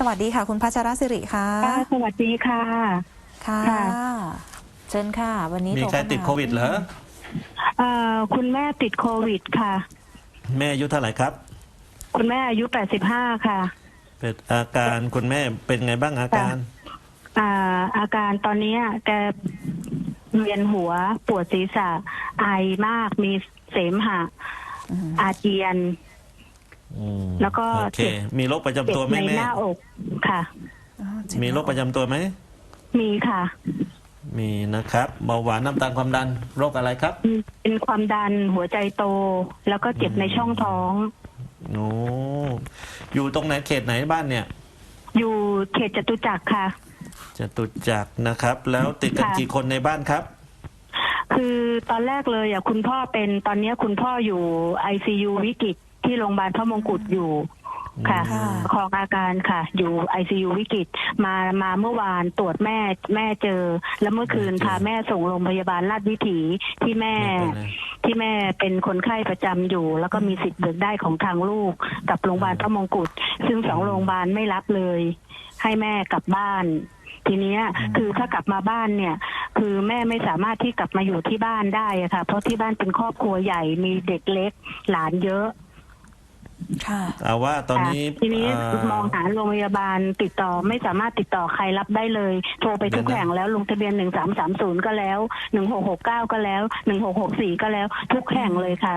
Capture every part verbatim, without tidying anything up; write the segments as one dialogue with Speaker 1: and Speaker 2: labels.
Speaker 1: สวัสดีค่ะคุณพัชรศิริค่ะ
Speaker 2: สวัสดีค่ะ
Speaker 1: ค่ะเชิญค่ะวันนี้
Speaker 3: มีใครติดโควิดเหรอ
Speaker 2: เอ่อคุณแม่ติดโควิดค่ะ
Speaker 3: แม่อายุเท่าไหร่ครับ
Speaker 2: คุณแม่อายุแปดสิบห้าค่ะ
Speaker 3: เป็นอาการคุณแม่เป็นไงบ้างอาการ
Speaker 2: อ่าอาการตอนนี้แกเวียนหัวปวดศีรษะไอมากมีเสมหะอาเจียนแล้วก็
Speaker 3: โอเคมีโรคประจำตัวไหมแม่
Speaker 2: ในหน้าอกค่ะ
Speaker 3: มีโรคประจำตัวไหม
Speaker 2: มีค่ะ
Speaker 3: มีนะครับเบาหวานน้ำตาลความดันโรคอะไรครับ
Speaker 2: เป็นความดันหัวใจโตแล้วก็เจ็บในช่องท้อง
Speaker 3: โอ้อยู่ตรงไหนเขตไหนบ้านเนี่ย
Speaker 2: อยู่เขตจตุจักรค่ะ
Speaker 3: จตุจักรนะครับแล้วติดกันกี่คนในบ้านครับ
Speaker 2: คือตอนแรกเลยอ่ะคุณพ่อเป็นตอนนี้คุณพ่ออยู่ ไอ ซี ยู วิกฤตที่โรงพยาบาลพระมงกุฎอยู่ค่ะของอาการค่ะอยู่ ไอ ซี ยู วิกฤตมามาเมื่อวานตรวจแม่แม่เจอแล้วเมื่อคืนพาแม่ส่งโรงพยาบาลราชวิถีที่แม่ที่แม่เป็นคนไข้ประจำอยู่แล้วก็มีสิทธิ์เบิกได้ของทางลูกกับโรงพยาบาลพระมงกุฎซึ่งสองโรงพยาบาลไม่รับเลยให้แม่กลับบ้านทีนี้คือถ้ากลับมาบ้านเนี่ยคือแม่ไม่สามารถที่กลับมาอยู่ที่บ้านได้อะค่ะเพราะที่บ้านเป็นครอบครัวใหญ่มีเด็กเล็กหลานเยอะ
Speaker 1: ค่ะ
Speaker 3: เอาว่าตอนนี้
Speaker 2: ทีนี้มองหาโรงพยาบาลติดต่อไม่สามารถติดต่อใครรับได้เลยโทรไปทุกแห่งแล้วลงทะเบียนหนึ่งสามสามศูนย์ก็แล้วหนึ่งหกหกเก้าก็แล้วหนึ่งหกหกสี่ก็แล้วทุกแห่งเลยค่ะ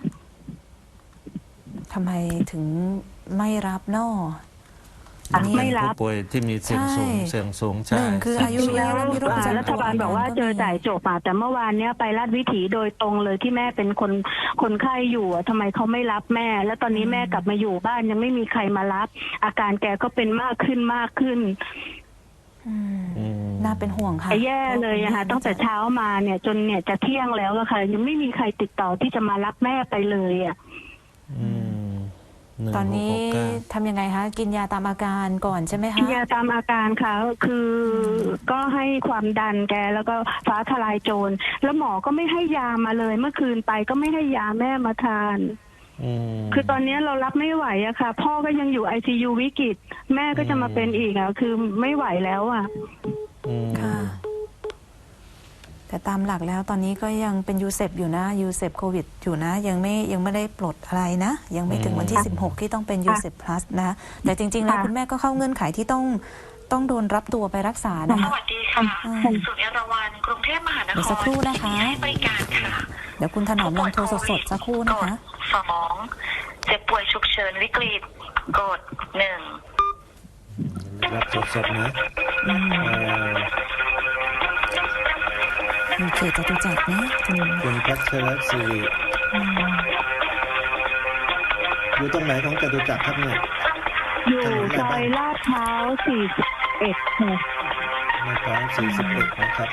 Speaker 1: ทำไมถึงไม่รับนอ
Speaker 2: ไม่รับ
Speaker 3: ผู้ป่วยที่มีเสี่ยงสูงเสี่ยงสูงใช่
Speaker 1: หนึ่งคืออายุเยอะแล้วมีโรคประจำตัว
Speaker 2: รัฐบาลบอกว่าเจอจ่ายจบมาแต่เมื่อวานเนี้ยไปราชวิถีโดยตรงเลยที่แม่เป็นคนคนไข้อยู่ทำไมเขาไม่รับแม่แล้วตอนนี้แม่กลับมาอยู่บ้านยังไม่มีใครมารับอาการแกก็เป็นมากขึ้นมากขึ้น
Speaker 1: น่าเป็นห่วงค่ะ
Speaker 2: แย่เลยนะคะตั้งแต่เช้ามาเนี่ยจนเนี่ยจะเที่ยงแล้วอะค่ะยังไม่มีใครติดต่อที่จะมารับแม่ไปเลยอะ
Speaker 1: ตอนนี้ทำยังไงคะกินยาตามอาการก่อนใช่ไหมคะ
Speaker 2: กินยาตามอาการค่ะคือก็ให้ความดันแกแล้วก็ฟ้าทลายโจรแล้วหมอก็ไม่ให้ยามาเลยเมื่อคืนไปก็ไม่ให้ยาแม่มาทานคือตอนนี้เรารับไม่ไหวอะค่ะพ่อก็ยังอยู่ ไอ ซี ยู วิกฤตแม่ก็จะมาเป็นอีกอะคือไม่ไหวแล้วอะ
Speaker 1: ค่ะแต่ตามหลักแล้วตอนนี้ก็ยังเป็นยูเซปอยู่นะยูเซปโควิดอยู่นะยังไม่ยังไม่ได้ปลดอะไรนะยังไม่ถึงวันที่สิบหกที่ต้องเป็นยูเซปพลัสนะแต่จริงๆแล้วคุณแม่ก็เข้าเงื่อนไขที่ต้องต้องโดนรับตัวไปรักษานะคะ
Speaker 4: สวัสดีค่ะศูนย์เอราวัณกรุงเทพมหานคร
Speaker 1: สักครู่นะคะ
Speaker 4: ให้บริการค่ะ
Speaker 1: เดี๋ยวคุณถนอมลองโทรสดๆสักครู่นะคะ
Speaker 4: สองเจ็บป่วยฉุกเฉินวิกฤตกดหนึ่ง
Speaker 3: รับสดๆนะ
Speaker 1: มีเขตจตุจักรนะ
Speaker 3: คุณพัชรศิริอยู่ตรงไหนของจตุจักรครับเนี่ย
Speaker 2: อยู่ซอยลาดพร้าวสี่สิบเอ็ดค่ะ
Speaker 3: ลาดพร้าวสี่สิบเอ็ดนะครับ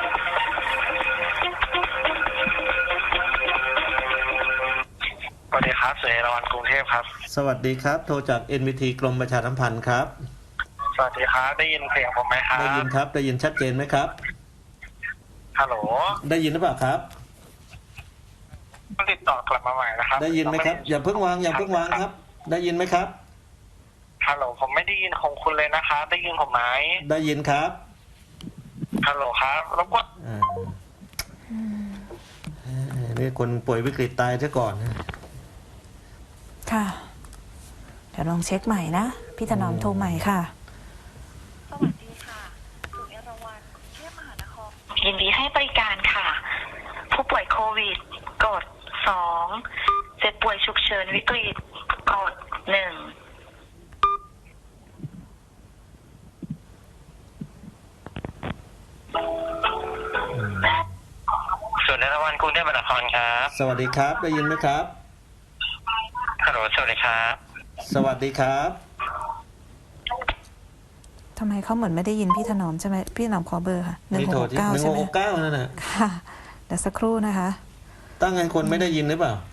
Speaker 5: สวัสดีครับศูนย์เอราวัณกรุงเทพครับ
Speaker 3: สวัสดีครับโทรจาก เอ็น วี ที กรมประชาสัมพันธ์ครับ
Speaker 5: สวัสดีครับได้ยินเสียงผมไหมครับ
Speaker 3: ได้ยินครับได้ยินชัดเจนไหมครับ
Speaker 5: ฮัลโหล
Speaker 3: ได้ยินหรือเปล่าครับ
Speaker 5: ติดต่อกลับมาใหม่นะครับ
Speaker 3: ได้ยินไหมครับอย่าเพิ่งวางอย่าเพิ่งวางครับได้ยินไหมครับ
Speaker 5: ฮัลโหลผมไม่ได้ยินของคุณเลยนะครับได้ยินผมไหม
Speaker 3: ได้ยินครับ
Speaker 5: ฮัลโหลครับรบกวน
Speaker 3: นี่คนป่วยวิกฤตตายซะก่อน
Speaker 1: ค่ะเดี๋ยวลองเช็คใหม่นะพี่ถนอมโทรใหม่ค่ะ
Speaker 4: สวัสดีค่ะศูนย์เอราวัณกรุงเทพมหานครยินดีให้บริการค่ะผู้ป่วยโควิดกดสองเจ็บป่วยฉุกเฉินวิกฤตกดหนึ่ง
Speaker 5: ศูนย์เอราวัณกรุงเทพมหานครครับ
Speaker 3: สวัสดีครับได้ยินไหมครับ
Speaker 5: ฮัลโหลสวัสดีครับ
Speaker 3: สวัสดีครับ
Speaker 1: ทำไมเขาเหมือนไม่ได้ยินพี่ถนอมใช่ไหมพี่ถนอมขอเบอร์ค่ะหนึ่งหกเก้าใช่ไหม
Speaker 3: หนึ่งหกเก้านั่นน่ะ
Speaker 1: ค่ะเดี๋ยวสักครู่นะคะ
Speaker 3: ตั้งไงคนไม่ได้ยินหรือเปล่า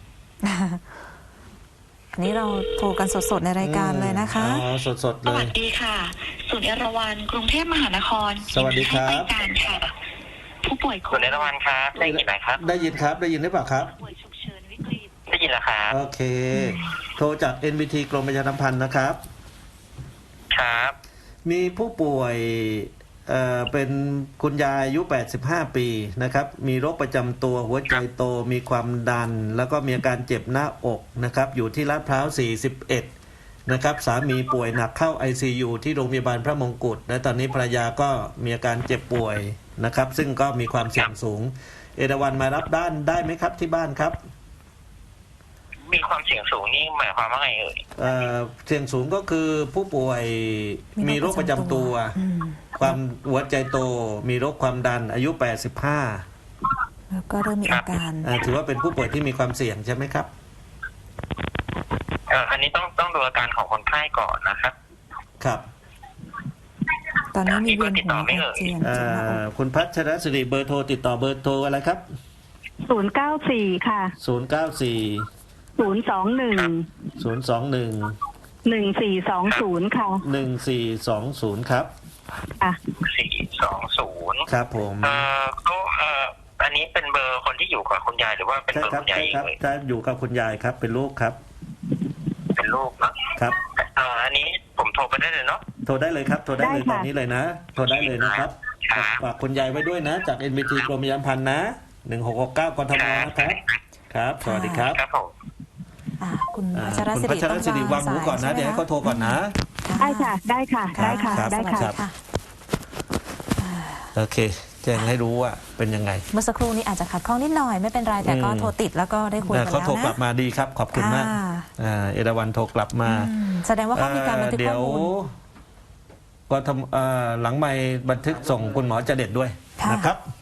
Speaker 1: อันนี้เราโทรกันสดๆในรายการเลยนะคะ
Speaker 3: อ๋อสดๆเลย
Speaker 4: สวัสดีค่ะศูนย์เอราวัณกรุงเทพมหานคร
Speaker 3: สวัสดีครับ
Speaker 4: บริการค่ะผู้ป่วย
Speaker 5: ศูนย์เอราวัณครับได้ยินไหมครับ
Speaker 3: ได้ยินครับได้ยินหรือเปล่าครับ
Speaker 4: ป่วยฉุกเฉินวิกฤต
Speaker 5: ได้ยินแล้วครับ
Speaker 3: โอเคโทรจาก เอ็น วี ที กรมประชาสัมพันธ์นะครับ
Speaker 5: คครับ
Speaker 3: มีผู้ป่วยเอ่อเป็นคุณยายอายุแปดสิบห้าปีนะครับมีโรคประจำตัวหัวใจโตมีความดัน แล้วก็มีอาการเจ็บหน้าอกนะครับอยู่ที่ลาดพร้าวสี่สิบเอ็ดนะครับสามีป่วยหนักเข้า ไอ ซี ยู ที่โรงพยาบาลพระมงกุฎและตอนนี้ภรรยาก็มีอาการเจ็บป่วยนะครับซึ่งก็มีความเสี่ยงสูงเอราวัณมารับด้านได้ไหมครับที่บ้านครับ
Speaker 5: มีความเสี่ยงสูงนี่หมายความว่าไงเอ่ย
Speaker 3: เอ่อเสี่ยงสูงก็คือผู้ป่วยมีโรคประจำตัว
Speaker 1: อืม
Speaker 3: ความหัวใจโตมีโรคความดันอายุแปดสิบห้า
Speaker 1: แล้วก็เริ่มมีอาการ
Speaker 3: อ่าถือว่าเป็นผู้ป่วยที่มีความเสี่ยงใช่ไหมครับ
Speaker 5: เอ่ออันนี้ต้องต้องดูอาการของคนไข้ก่อนนะครับ
Speaker 3: ครับ
Speaker 1: ตอนนี้มีเวียนหัวอาเจียน
Speaker 3: เอ่
Speaker 1: เจ็บหน้าอก
Speaker 3: อคุณพัชรศิริเบอร์โทรติดต่อเบอร์โทรอะไรครับ
Speaker 2: ศูนย์เก้าสี่ค่ะ
Speaker 3: ศูนย์ เก้า สี่
Speaker 2: ศูนย์สองหนึ่ง
Speaker 3: ศูนย์ สอง หนึ่ง
Speaker 2: หนึ่งสี่สองศูนย์ค่ะ
Speaker 3: หนึ่ง สี่ สอง ศูนย์ครับ
Speaker 2: อ่ะ
Speaker 5: สี่สองศูนย์
Speaker 3: ครับผม
Speaker 5: เอ่อก็เอ่ออันนี้เป็นเบอร์คนที่อยู่กับคุณยายหรือว่าเป็น
Speaker 3: ใช่
Speaker 5: เบอร์
Speaker 3: ครับ
Speaker 5: คุณยาย
Speaker 3: ใช่
Speaker 5: เอง
Speaker 3: ครับ
Speaker 5: เลย
Speaker 3: จะอยู่กับคุณยายครับเป็นลูกครับ
Speaker 5: เป็นลูกเนาะ
Speaker 3: ครับ
Speaker 5: เอ่ออันนี้ผมโทรไปได้เลยเนาะ
Speaker 3: โทรได้เลยครับโทรได้เลย
Speaker 2: ได้
Speaker 3: ต
Speaker 2: ค่ะ
Speaker 3: อนนี้เลยนะโทรได้เลยนะครับ
Speaker 5: ครับ
Speaker 3: ฝากคุณยายไว้ด้วยนะ จาก เอ็น บี ที กรมประชาสัมพันธ์นะหนึ่งหกหกเก้ากทมนะครับครับ สวัสดีครับ
Speaker 5: ครับผม
Speaker 1: อ่ะคุณ
Speaker 3: อ่า
Speaker 1: พัชร
Speaker 3: คุณ
Speaker 1: ศิ
Speaker 3: พั
Speaker 1: ริ
Speaker 3: ชรศิริวางหูก่อนนะ
Speaker 1: ใช่ไหม
Speaker 3: เดี๋ยวให้เขาโทรก่อนนะ
Speaker 2: ได้ค่ะ ได้ค่ะ ได้ค่ะ
Speaker 3: ครับ
Speaker 2: ได้
Speaker 1: สวัส
Speaker 2: ค่ะ
Speaker 1: ค่ะ
Speaker 3: โอเค แจ้งให้รู้ว่าเป็นยังไง
Speaker 1: เมื่อสักครู่นี้อาจจะขัดข้องนิดหน่อยไม่เป็นไรแต่ก็
Speaker 3: อืม
Speaker 1: โทรติดแล้วก็ได้คุยกัน
Speaker 3: เขา
Speaker 1: แล้ว
Speaker 3: โทรกลับ
Speaker 1: นะ
Speaker 3: มาดีครับ ขอบคุณมาก
Speaker 1: ค่ะ
Speaker 3: อ่าเอราวัณโทรกลับมา
Speaker 1: อืมแสดงว่าเขามีการบันทึก
Speaker 3: เดี๋
Speaker 1: ข้
Speaker 3: ย
Speaker 1: อ
Speaker 3: ว
Speaker 1: มูล
Speaker 3: ก็ทำเอ่อหลังไม่บันทึกส่งคุณหมอจเด็ดด้วย
Speaker 1: ค่ะ
Speaker 3: นะครับ